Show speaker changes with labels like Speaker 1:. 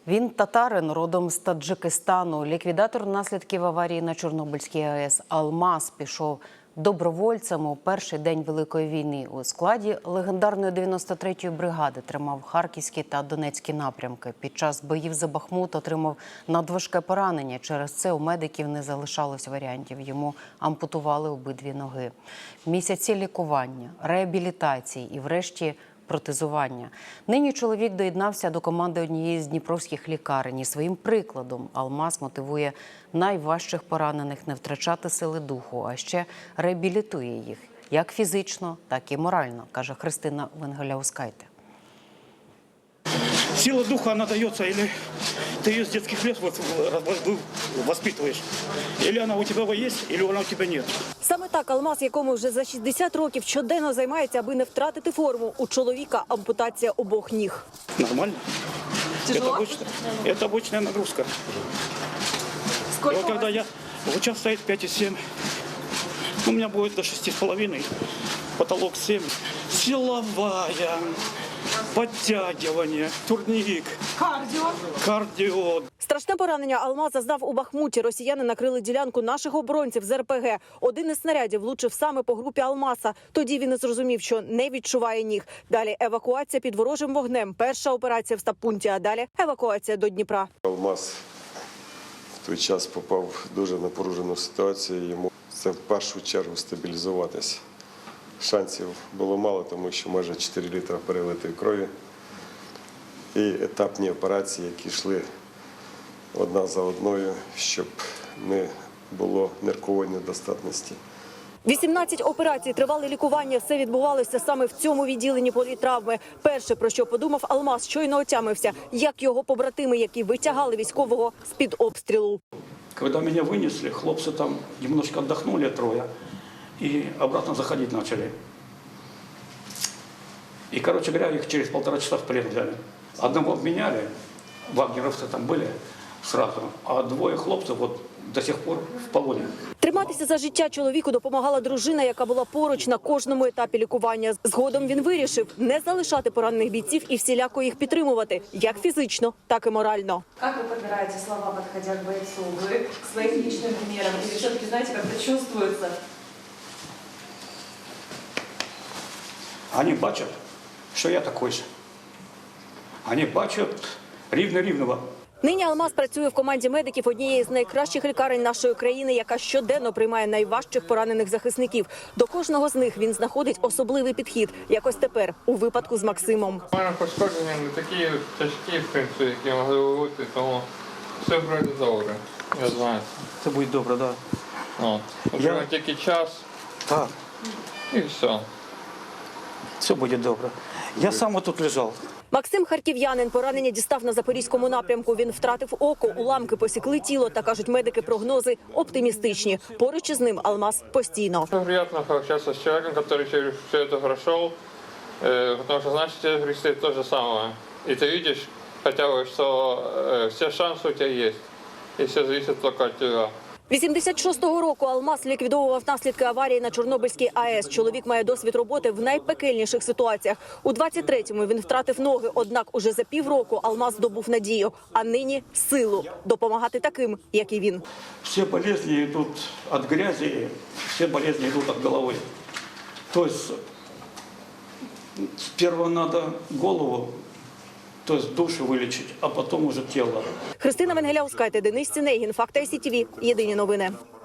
Speaker 1: Він татарин, родом з Таджикистану. Ліквідатор наслідків аварії на Чорнобильській АЕС «Алмаз» пішов добровольцем у перший день Великої війни. У складі легендарної 93-ї бригади тримав Харківський та Донецький напрямки. Під час боїв за Бахмут отримав надважке поранення. Через це у медиків не залишалось варіантів. Йому ампутували обидві ноги. Місяці лікування, реабілітації і врешті протезування. Нині чоловік доєднався до команди однієї з дніпровських лікарень. І своїм прикладом «Алмаз» мотивує найважчих поранених не втрачати сили духу, а ще реабілітує їх як фізично, так і морально, каже Христина Венгеляускайте.
Speaker 2: Сила духа, она дается, или ты ее с детских лет воспитываешь, или она у тебя есть, или она у тебя нет.
Speaker 3: Саме так «Алмаз», якому вже за 60 років, щоденно займається, аби не втратити форму. У чоловіка ампутація обох ніг.
Speaker 2: Нормально. Это обычная нагрузка.
Speaker 3: Сколько?
Speaker 2: Вот когда вот сейчас стоит 5,7, у меня будет до 6,5, потолок 7. Силовая, подтягивание, турник, кардио.
Speaker 3: Страшне поранення «Алмаз» зазнав у Бахмуті. Росіяни накрили ділянку наших оборонців з РПГ. Один із снарядів влучив саме по групі «Алмаза». Тоді він і зрозумів, що не відчуває ніг. Далі евакуація під ворожим вогнем. Перша операція в стаб-пункті, а далі евакуація до Дніпра.
Speaker 4: «Алмаз» в той час попав в дуже напружену ситуацію. Йому це в першу чергу стабілізуватися. Шансів було мало, тому що майже 4 літри перелитої крові. І етапні операції, які йшли одна за одною, щоб не було ниркової недостатності.
Speaker 3: 18 операцій, тривале лікування. Все відбувалося саме в цьому відділенні політравми. Перше, про що подумав «Алмаз», щойно отямився, як його побратими, які витягали військового з-під обстрілу.
Speaker 2: Когда меня вынесли, хлопцы там немножко отдохнули трое и обратно заходить начали. И, короче говоря, их через 1,5 часа в плен взяли. Одного обменяли, вагнеровцы там были сразу, а двое хлопцев вот до сих пор в полоне.
Speaker 3: Триматися за життя чоловіку допомагала дружина, яка була поруч на кожному етапі лікування. Згодом він вирішив не залишати поранених бійців і всіляко їх підтримувати, як фізично, так і морально.
Speaker 5: Как вы подбираете слова, подходя к бойцу? Вы к своим личным примерам? Или все-таки, знаете, как-то чувствуется?
Speaker 2: Они бачат, що я такой же. Они бачат рівно-рівного.
Speaker 3: Нині «Алмаз» працює в команді медиків однієї з найкращих лікарень нашої країни, яка щоденно приймає найважчих поранених захисників. До кожного з них він знаходить особливий підхід, як ось тепер, у випадку з Максимом.
Speaker 6: У мене пошкодження не такі тяжкі, в принципі, які могли бути, тому все вроде добре, я знаю.
Speaker 2: Це буде добре, так.
Speaker 6: От. Вже тільки час
Speaker 2: Так,
Speaker 6: і все.
Speaker 2: все буде добре. Я сам тут лежав.
Speaker 3: Максим – харків'янин. Поранення дістав на Запорізькому напрямку. Він втратив око, уламки посікли тіло. Та, кажуть медики, прогнози оптимістичні. Поруч із ним «Алмаз» постійно.
Speaker 6: Приятно пообщаться с человеком, который через все это прошел, потому что, значит, тебе предстоит то же самое. И ты видишь хотя бы, что все шансы у тебя есть, и все зависит только от тебя.
Speaker 3: 86-го року «Алмаз» ліквідовував наслідки аварії на Чорнобильській АЕС. Чоловік має досвід роботи в найпекельніших ситуаціях. У 23-му він втратив ноги, однак уже за півроку «Алмаз» здобув надію, а нині – силу допомагати таким, як і він.
Speaker 2: Все болезни йдуть від грязі, всі болезни йдуть від голови. Тобто, сперва треба голову, тобто душу вилічити, а потім вже тіло.
Speaker 3: Христина Венгеляускайте, Денис Цінегін, Факти СІТВ. Єдині новини.